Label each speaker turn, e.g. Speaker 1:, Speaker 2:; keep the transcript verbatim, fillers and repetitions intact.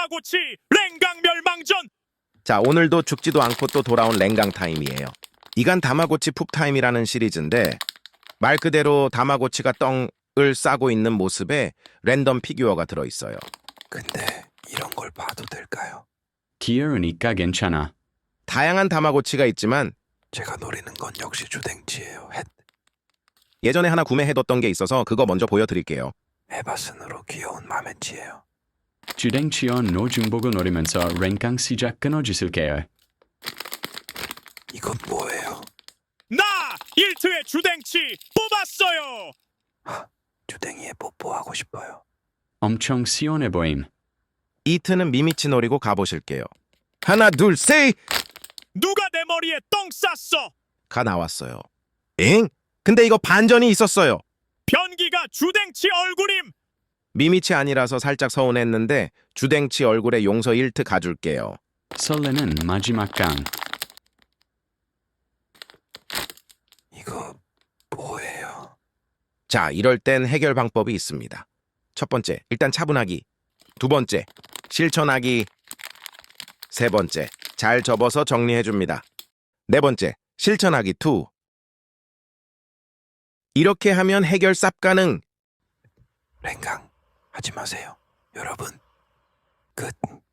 Speaker 1: 다마고치 랭강 멸망전.
Speaker 2: 자, 오늘도 죽지도 않고 또 돌아온 랭강 타임이에요. 이간 다마고치 푹 타임이라는 시리즈인데 말 그대로 다마고치가 똥을 싸고 있는 모습에 랜덤 피규어가 들어있어요.
Speaker 3: 근데 이런 걸 봐도 될까요?
Speaker 4: 귀여우니까 괜찮아.
Speaker 2: 다양한 다마고치가 있지만
Speaker 3: 제가 노리는 건 역시 주댕치예요. 햇.
Speaker 2: 예전에 하나 구매해뒀던 게 있어서 그거 먼저 보여드릴게요.
Speaker 3: 에바슨으로 귀여운 마멘치예요.
Speaker 4: 주댕치어 노중복을 노리면서 랭강 시작 끊어주실게요.
Speaker 3: 이건 뭐예요?
Speaker 1: 나 일트의 주댕치 뽑았어요.
Speaker 3: 주댕이에 뽀뽀하고 싶어요.
Speaker 4: 엄청 시원해 보임.
Speaker 2: 이트는 미미치 노리고 가보실게요. 하나, 둘, 셋!
Speaker 1: 누가 내 머리에 똥 쌌어?
Speaker 2: 가 나왔어요. 엥? 근데 이거 반전이 있었어요.
Speaker 1: 변기가 주댕치 얼굴임.
Speaker 2: 미미치 아니라서 살짝 서운했는데 주댕치 얼굴에 용서 일 트 가줄게요.
Speaker 4: 설레는 마지막 강.
Speaker 3: 이거 뭐예요?
Speaker 2: 자, 이럴 땐 해결 방법이 있습니다. 첫 번째, 일단 차분하기. 두 번째, 실천하기. 세 번째, 잘 접어서 정리해줍니다. 네 번째, 실천하기 투. 이렇게 하면 해결 쌉 가능.
Speaker 3: 랭강 하지 마세요. 여러분, 끝.